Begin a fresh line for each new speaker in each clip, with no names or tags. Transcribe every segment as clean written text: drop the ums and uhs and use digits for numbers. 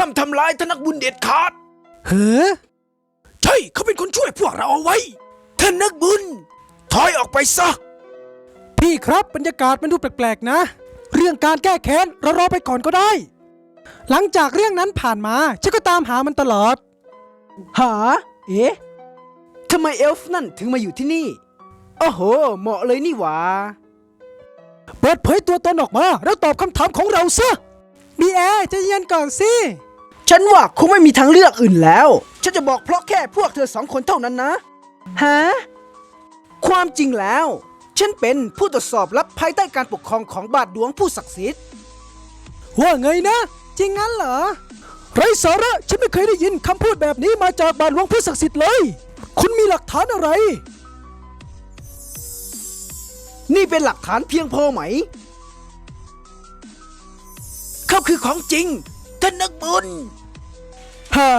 ห้ามทำร้ายท่านนักบุญเด็ดขาด
เฮ้อ
ใช่เขาเป็นคนช่วยพวกเราเอาไว้ท่านนักบุญถอยออกไปซะ
พี่ครับบรรยากาศมันดูแปลกๆนะเรื่องการแก้แค้นเรารอไปก่อนก็ได้หลังจากเรื่องนั้นผ่านมาฉันก็ตามหามันตลอด
หาเอ๊ะทำไมเอลฟ์นั่นถึงมาอยู่ที่นี่โอ้โหเหมาะเลยนี่หว่า
เปิดเผยตัวตนออกมาแล้วตอบคำถามของเราซะบีแอร์ใจเย็นก่อนสิ
ฉันว่าคงไม่มีทางเลือกอื่นแล้วฉันจะบอกเพราะแค่พวกเธอสองคนเท่านั้นนะฮะความจริงแล้วฉันเป็นผู้ตรวจสอบลับภายใต้การปกครองของบาทหลวงผู้ศักดิ์สิทธิ์
ว่าไงนะจริงงั้นเหรอไรสาระฉันไม่เคยได้ยินคำพูดแบบนี้มาจากบาทหลวงผู้ศักดิ์สิทธิ์เลยคุณมีหลักฐานอะไร
นี่เป็นหลักฐานเพียงพอไหม
เขาคือของจริงท่านนักบุญ
หา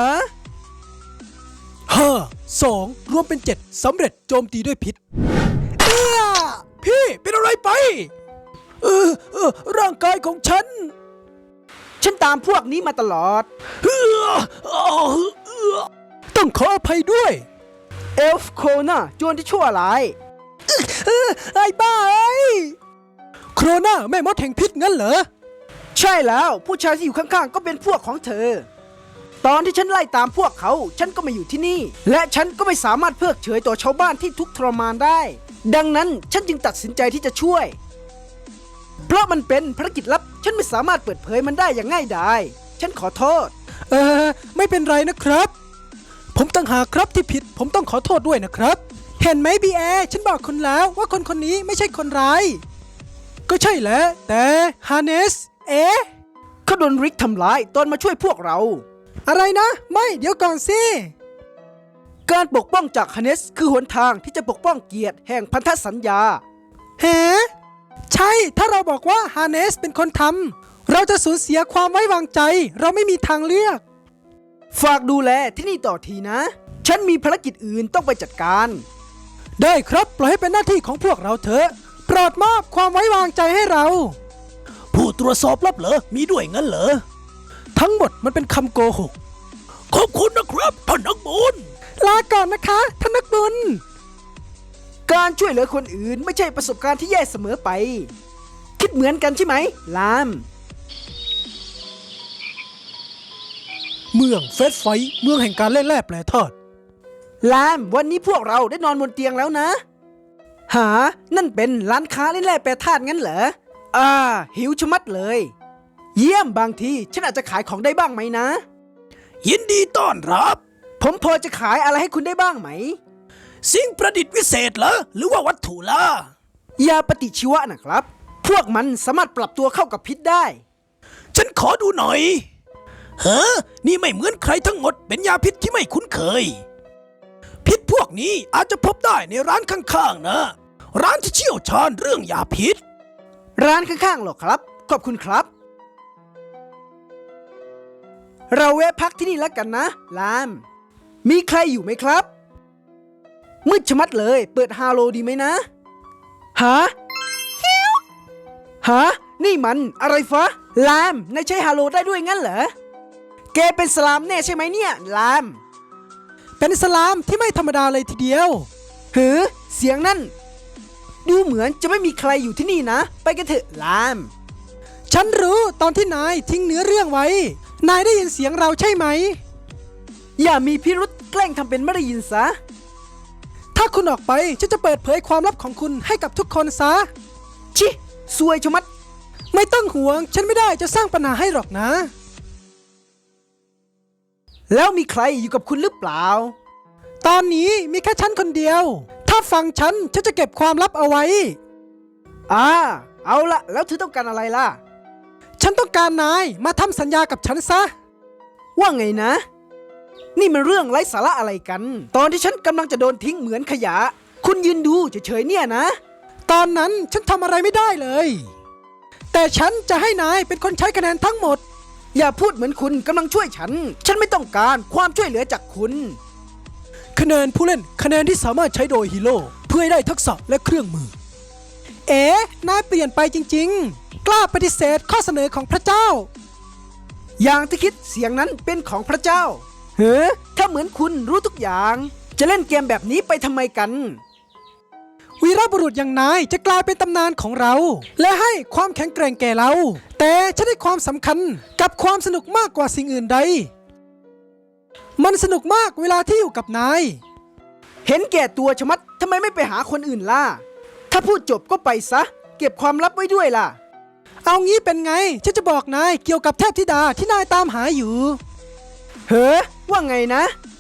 2 รวมเป็น 7สำเร็จโจมตีด้วยพิษ
พี่เป็นอะไรไป
ร่างกายของฉัน
ตามพวกนี้มาตลอด
ต้องขออภัยด้วย
เอลฟ์โคน่าโจรที่ชั่วร้าย
ไอ้บ้าโครนาแม่มดแห่งพิษงั้นเหรอ
ใช่แล้วผู้ชายที่อยู่ข้างๆก็เป็นพวกของเธอตอนที่ฉันไล่ตามพวกเขาฉันก็มาอยู่ที่นี่และฉันก็ไม่สามารถเพิกเฉยต่อชาวบ้านที่ทุกข์ทรมานได้ดังนั้นฉันจึงตัดสินใจที่จะช่วยเพราะมันเป็นภารกิจลับฉันไม่สามารถเปิดเผยมันได้อย่างง่ายดายฉันขอโทษ
ไม่เป็นไรนะครับผมต่างหากครับที่ผิดผมต้องขอโทษด้วยนะครับเห็นไหมบีแอฉันบอกคุณแล้วว่าคนคนนี้ไม่ใช่คนร้ายก็ใช่แหละแต่ฮาร์เนส
เขาโดนริกทำร้ายตอนมาช่วยพวกเรา
อะไรนะไม่เดี๋ยวก่อนสิ
การปกป้องจากฮาร์เนสคือหนทางที่จะปกป้องเกียรติแห่งพันธสัญญา
ใช่ถ้าเราบอกว่าฮาร์เนสเป็นคนทำเราจะสูญเสียความไว้วางใจเราไม่มีทางเลือก
ฝากดูแลที่นี่ต่อทีนะฉันมีภารกิจอื่นต้องไปจัดการ
ได้ครับปล่อยให้เป็นหน้าที่ของพวกเราเถอะโปรดมอบความไว้วางใจให้เรา
ผู้ตรวจสอบลับเหรอมีด้วยงั้นเหรอ
ทั้งหมดมันเป็นคำโกหก
ขอบคุณนะครับท่านนักบุญ
ลาก่อนนะคะท่านนักบุญ
การช่วยเหลือคนอื่นไม่ใช่ประสบการณ์ที่แย่เสมอไปคิดเหมือนกันใช่ไหมลาม
เมืองเฟสไฟเมืองแห่งการเล่นแร่แปรธาตุ
ลามวันนี้พวกเราได้นอนบนเตียงแล้วนะหานั่นเป็นร้านค้าเล่นแร่แปรธาตุงั้นเหรอหิวชะมัดเลยเยี่ยมบางทีฉันอาจจะขายของได้บ้างไหมนะ
ยินดีต้อนรับ
ผมพอจะขายอะไรให้คุณได้บ้างไหม
สิ่งประดิษฐ์วิเศษเหรอหรือว่าวัตถุล่ะ
ยาปฏิชีวะนะครับพวกมันสามารถปรับตัวเข้ากับพิษได้
ฉันขอดูหน่อยนี่ไม่เหมือนใครทั้งหมดเป็นยาพิษที่ไม่คุ้นเคยพิษพวกนี้อาจจะพบได้ในร้านข้างๆนะร้านที่เชี่ยวชาญเรื่องยาพิษ
ร้านข้างๆหรอครับขอบคุณครับเราแวะพักที่นี่แล้วกันนะลามมีใครอยู่ไหมครับมืดชะมัดเลยเปิดฮาโลดีไหมนะฮะนี่มันอะไรฟะลามนายใช้ฮาโลได้ด้วยงั้นเหรอแกเป็นสลามแน่ใช่ไหมเนี่ยลาม
เป็นสลามที่ไม่ธรรมดาเลยทีเดียว
เสียงนั่นดูเหมือนจะไม่มีใครอยู่ที่นี่นะไปกันเถอะลาม
ฉันรู้ตอนที่นายทิ้งเนื้อเรื่องไว้นายได้ยินเสียงเราใช่ไหม
อย่ามีพิรุษแกล้งทำเป็นไม่ได้ยินซะ
ถ้าคุณออกไปฉันจะเปิดเผยความลับของคุณให้กับทุกคนซะ
ชิซวยชะมัด
ไม่ต้องห่วงฉันไม่ได้จะสร้างปัญหาให้หรอกนะ
แล้วมีใครอยู่กับคุณหรือเปล่า
ตอนนี้มีแค่ฉันคนเดียวถ้าฟังฉันจะเก็บความลับเอาไว้
เอาละแล้วเธอต้องการอะไรล่ะ
ฉันต้องการนายมาทำสัญญากับฉันซะ
ว่าไงนะนี่มันเรื่องไร้สาระอะไรกันตอนที่ฉันกำลังจะโดนทิ้งเหมือนขยะคุณยืนดูเฉยๆเนี่ยนะ
ตอนนั้นฉันทำอะไรไม่ได้เลยแต่ฉันจะให้นายเป็นคนใช้คะแนนทั้งหมด
อย่าพูดเหมือนคุณกำลังช่วยฉันไม่ต้องการความช่วยเหลือจากคุณ
คะแนนผู้เล่นคะแนนที่สามารถใช้โดยฮีโร่เพื่อให้ได้ทักษะและเครื่องมือนายเปลี่ยนไปจริงๆกล้าปฏิเสธข้อเสนอของพระเจ้า
อย่างที่คิดเสียงนั้นเป็นของพระเจ้า เฮ้อถ้าเหมือนคุณรู้ทุกอย่าง จะเล่นเกมแบบนี้ไปทำไมกัน
วีรบุรุษอย่างนายจะกลายเป็นตำนานของเรา และให้ความแข็งแกร่งแก่เรา แต่ฉันให้ความสำคัญกับความสนุกมากกว่าสิ่งอื่นใด มันสนุกมากเวลาที่อยู่กับนาย
เห็นแก่ตัวชะมัดทำไมไม่ไปหาคนอื่นล่ะ ถ้าพูดจบก็ไปซะ เก็บความลับไว้ด้วยล่ะ
เอางี้เป็นไง ฉันจะบอกนายเกี่ยวกับเทพธิดาที่นายตามหาอยู่
เฮ้อว่าไงนะ